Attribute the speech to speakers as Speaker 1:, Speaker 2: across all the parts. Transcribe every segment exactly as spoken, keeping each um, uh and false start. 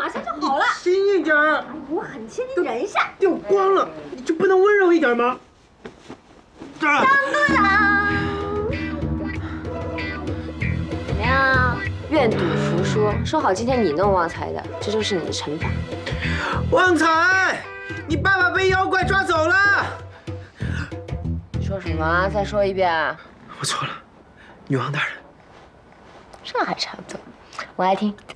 Speaker 1: 马上就好了。
Speaker 2: 轻一点儿。
Speaker 1: 哎，我很轻，你忍一下。
Speaker 2: 掉光了，你就不能温柔一点吗？这儿。
Speaker 1: 当当当。怎么样？愿赌服输，说好今天你弄旺财的，这就是你的惩罚。
Speaker 2: 旺财，你爸爸被妖怪抓走了。
Speaker 1: 你说什么？再说一遍。
Speaker 2: 我错了，女王大人。
Speaker 1: 这还差不多，我爱听。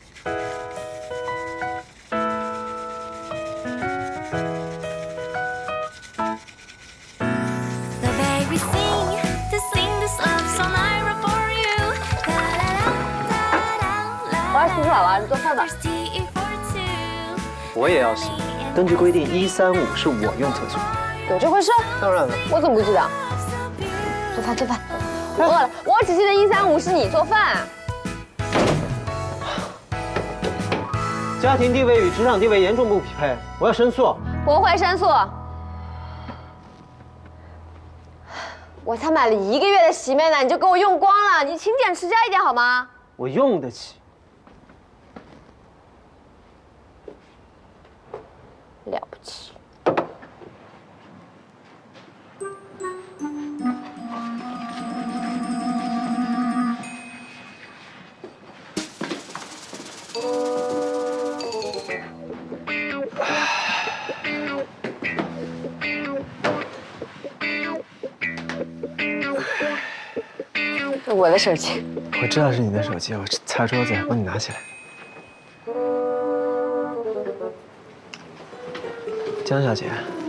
Speaker 1: 我要洗澡了，你做饭吧。
Speaker 3: 我也要洗。根据规定，一三五是我用厕所。
Speaker 1: 有这回事？
Speaker 3: 当然了。
Speaker 1: 我怎么不记得？做饭做饭，我饿了。我只记得一三五是你做饭。
Speaker 3: 家庭地位与职场地位严重不匹配，我要申诉。
Speaker 1: 不会申诉。我才买了一个月的洗面奶，你就给我用光了，你勤俭持家一点好吗？
Speaker 3: 我用得起。
Speaker 1: 了不起。我的手机，
Speaker 3: 我知道是你的手机，我擦桌子，帮你拿起来。江小姐，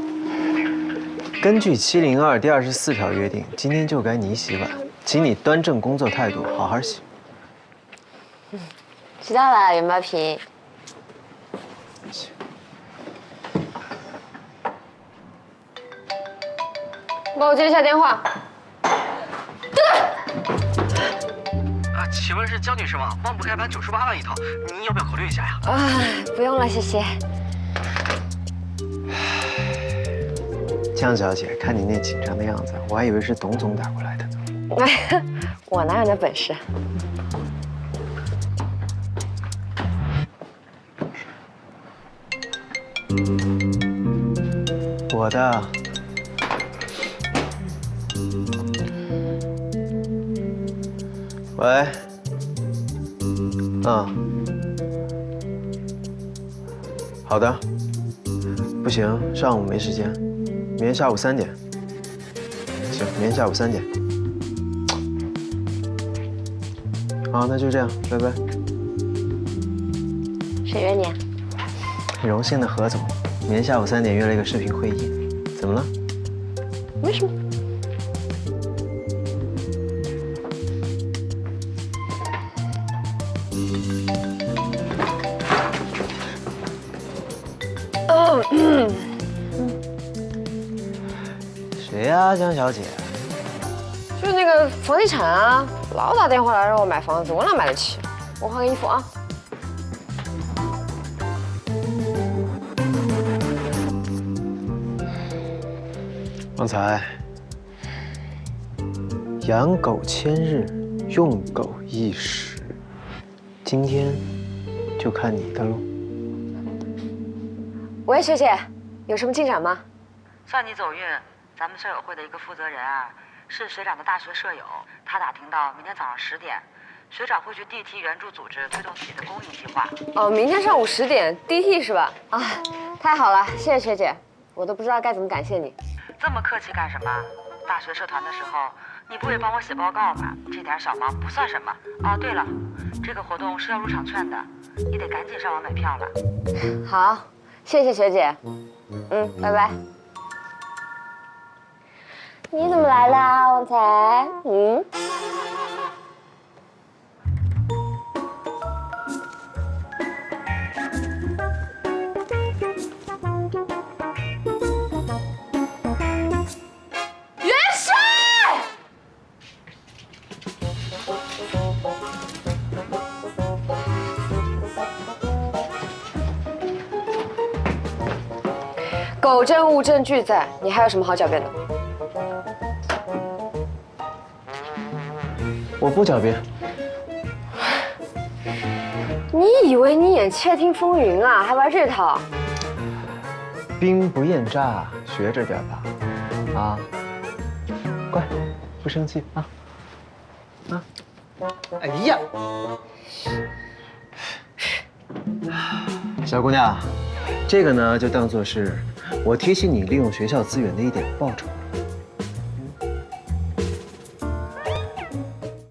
Speaker 3: 根据七零二第二十四条约定，今天就该你洗碗，请你端正工作态度，好好洗。
Speaker 1: 嗯，知道了，元宝瓶。帮我接一下电话。
Speaker 4: 啊，请问是江女士吗？忘不开盘九十八万一套，您要不要考虑一下呀？
Speaker 1: 啊，不用了，谢谢。
Speaker 3: 江小姐，看你那紧张的样子，我还以为是董总打过来的呢。
Speaker 1: 哎，我哪有那本事？
Speaker 3: 我的。喂。嗯。好的。不行，上午没时间，明天下午三点。行，明天下午三点。好，那就这样，拜拜。
Speaker 1: 谁约你啊？
Speaker 3: 荣幸的何总，明天下午三点约了一个视频会议，怎么了？
Speaker 1: 没什么。
Speaker 3: 嗯。谁呀，江小姐？
Speaker 1: 就是那个房地产啊，老打电话来让我买房子，我哪买得起？我换个衣服啊。
Speaker 3: 旺财，养狗千日，用狗一时，今天就看你的喽。
Speaker 1: 喂，学姐，有什么进展吗？
Speaker 5: 算你走运，咱们舍友会的一个负责人啊，是学长的大学舍友。他打听到明天早上十点，学长会去 D T 援助组织推动自己的公益计划。
Speaker 1: 哦，明天上午十点 D T 是吧？啊，太好了，谢谢学姐，我都不知道该怎么感谢你。
Speaker 5: 这么客气干什么？大学社团的时候，你不也帮我写报告吗？这点小忙不算什么。哦，对了，这个活动是要入场券的，你得赶紧上网买票了。
Speaker 1: 好，谢谢学姐。嗯，拜拜。你怎么来啦，旺财？嗯。元帅！狗证物证俱在，你还有什么好狡辩的？
Speaker 3: 我不狡辩。
Speaker 1: 你以为你演《窃听风云》啊，还玩这套？
Speaker 3: 兵不厌诈，学着点吧。啊，乖，不生气啊。啊。哎呀，小姑娘，这个呢就当做是我提醒你利用学校资源的一点报酬。